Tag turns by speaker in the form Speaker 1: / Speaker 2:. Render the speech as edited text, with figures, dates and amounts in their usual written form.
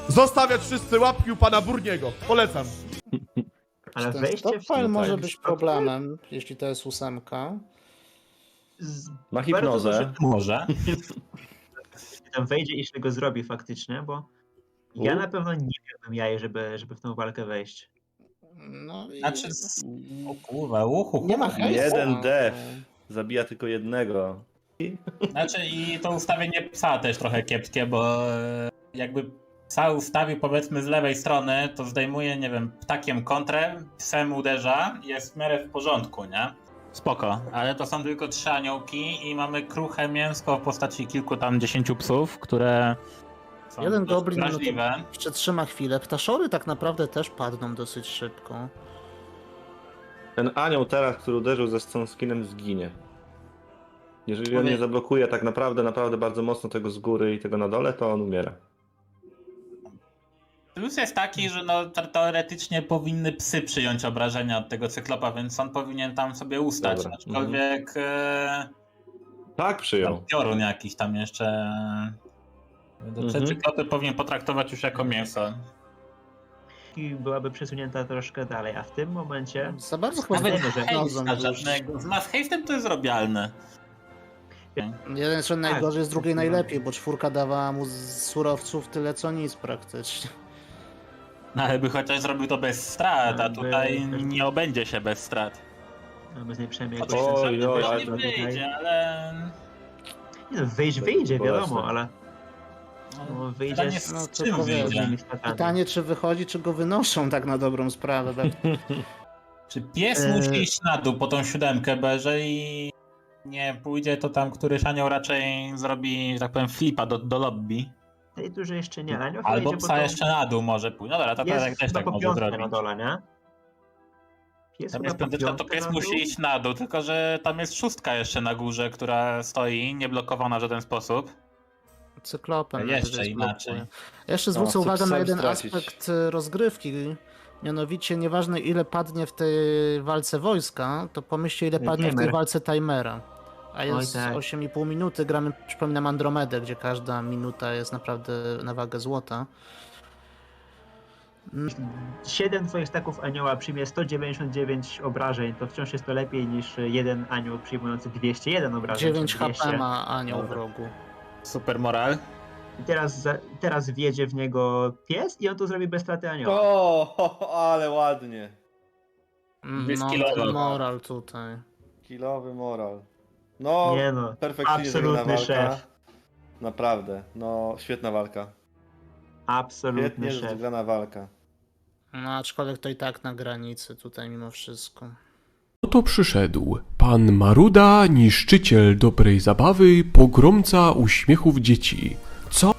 Speaker 1: Zostawiać wszyscy łapki u pana Burniego. Polecam.
Speaker 2: Ale
Speaker 3: Ten
Speaker 2: wejście w
Speaker 3: stockpile może
Speaker 2: ten
Speaker 3: być
Speaker 2: stockpile
Speaker 3: problemem, jeśli to jest 8.
Speaker 4: Ma
Speaker 2: bardzo
Speaker 4: hipnozę.
Speaker 2: duży-
Speaker 5: Może.
Speaker 2: Jeśli tam wejdzie i się go zrobi faktycznie, bo ja na pewno nie miałbym jaj, żeby w tą walkę wejść.
Speaker 3: No i...
Speaker 5: Znaczy, o kurwa, uhu.
Speaker 3: Nie ma hejsu.
Speaker 4: Jeden def. Zabija tylko jednego.
Speaker 5: Znaczy i to ustawienie psa też trochę kiepskie, bo jakby psa ustawił powiedzmy z lewej strony, to zdejmuje, nie wiem, ptakiem kontrę, psem uderza i jest w miarę w porządku, nie? Spoko, ale to są tylko 3 aniołki i mamy kruche mięsko w postaci kilku tam 10 psów, które są
Speaker 3: Jeden
Speaker 5: dość
Speaker 3: goblin
Speaker 5: wrażliwe.
Speaker 3: no to przetrzyma chwilę. Ptaszory tak naprawdę też padną dosyć szybko.
Speaker 4: Ten anioł teraz, który uderzył ze Stone Skinem, zginie. Jeżeli on nie zablokuje tak naprawdę bardzo mocno tego z góry i tego na dole, to on umiera.
Speaker 5: Plus jest taki, że no teoretycznie powinny psy przyjąć obrażenia od tego cyklopa, więc on powinien tam sobie ustać.
Speaker 4: Dobra.
Speaker 5: Aczkolwiek
Speaker 4: Tak, przyjął.
Speaker 5: piorun jakiś tam jeszcze. Te cyklopy powinien potraktować już jako mięso.
Speaker 2: I byłaby przesunięta troszkę dalej, a w tym momencie
Speaker 3: Za bardzo chyba
Speaker 5: Nawet
Speaker 2: wiemy, że
Speaker 3: hejsa
Speaker 5: hejsta żadnego. Z mass haste'em to jest robialne.
Speaker 3: Jeden z najgorzej, z drugiej
Speaker 2: tak.
Speaker 3: najlepiej, bo 4 dawała mu z surowców tyle co nic praktycznie.
Speaker 5: No ale by chociaż zrobił to bez strat, a
Speaker 2: Jakby-
Speaker 5: tutaj nie obędzie się bez strat.
Speaker 2: mamy z niej przynajmniej
Speaker 5: Chociaż
Speaker 2: jakoś...
Speaker 4: Oj, oj, ale
Speaker 5: nie
Speaker 4: to
Speaker 5: wyjdzie, ale...
Speaker 2: Nie no, wyjdzie,
Speaker 4: bolesne.
Speaker 2: wiadomo, ale
Speaker 5: No,
Speaker 2: wyjdzie
Speaker 5: pytanie
Speaker 2: z
Speaker 5: z
Speaker 3: no, to
Speaker 5: czym
Speaker 3: powiem.
Speaker 5: wyjdzie?
Speaker 2: różnymi statami.
Speaker 3: Pytanie, czy wychodzi, czy go wynoszą tak na dobrą sprawę.
Speaker 5: Czy pies musi iść na dół po tą 7, bo jeżeli nie pójdzie, to tam któryś anioł raczej zrobi, że tak powiem, flipa do lobby.
Speaker 2: Tej turze jeszcze nie, ale
Speaker 5: Albo psa jeszcze na dół może pójść. No dobra, to teraz
Speaker 2: jest
Speaker 5: też
Speaker 2: chyba
Speaker 5: tak
Speaker 2: po
Speaker 5: może
Speaker 2: piątkę
Speaker 5: zrobić.
Speaker 2: na dole, nie? Pies
Speaker 5: Tam
Speaker 2: chyba
Speaker 5: jest
Speaker 2: po
Speaker 5: piąteczka, to
Speaker 2: piątkę
Speaker 5: pies
Speaker 2: na
Speaker 5: musi
Speaker 2: dół?
Speaker 5: iść na dół, tylko że tam jest 6 jeszcze na górze, która stoi, nieblokowana w żaden sposób.
Speaker 3: Cyklopem.
Speaker 5: Jeszcze
Speaker 3: najwyżej
Speaker 5: inaczej.
Speaker 3: zblokuje. Jeszcze zwrócę
Speaker 4: No,
Speaker 3: uwagę na
Speaker 4: psem
Speaker 3: jeden
Speaker 4: stracić.
Speaker 3: aspekt rozgrywki. Mianowicie, nieważne ile padnie w tej walce wojska, to pomyślcie ile padnie w tej
Speaker 2: Timer.
Speaker 3: walce timera. A
Speaker 2: Oj,
Speaker 3: jest
Speaker 2: tak.
Speaker 3: 8,5 minuty, gramy, przypominam, Andromedę, gdzie każda minuta jest naprawdę na wagę złota.
Speaker 2: 7 twoich staków anioła przyjmie 199 obrażeń, to wciąż jest to lepiej niż jeden anioł przyjmujący 201 obrażeń.
Speaker 3: 9
Speaker 2: czy
Speaker 3: HP
Speaker 2: 200.
Speaker 3: ma anioł w
Speaker 2: Dobra.
Speaker 3: rogu.
Speaker 5: Super moral.
Speaker 2: I teraz wjedzie w niego pies i on to zrobi bez straty anioła.
Speaker 4: Ale ładnie.
Speaker 3: No,
Speaker 5: Wyskilował.
Speaker 3: ten moral tutaj.
Speaker 4: Kilowy moral. No,
Speaker 2: Nie no,
Speaker 4: perfekcyjnie zrobiona
Speaker 2: absolutny
Speaker 4: walka.
Speaker 2: szef.
Speaker 4: Naprawdę, no świetna walka.
Speaker 2: Absolutny
Speaker 4: Świetnie
Speaker 2: szef.
Speaker 4: rozegrana walka.
Speaker 3: No, aczkolwiek to i tak na granicy tutaj mimo wszystko.
Speaker 6: Oto przyszedł pan Maruda, niszczyciel dobrej zabawy, pogromca uśmiechów dzieci. Co?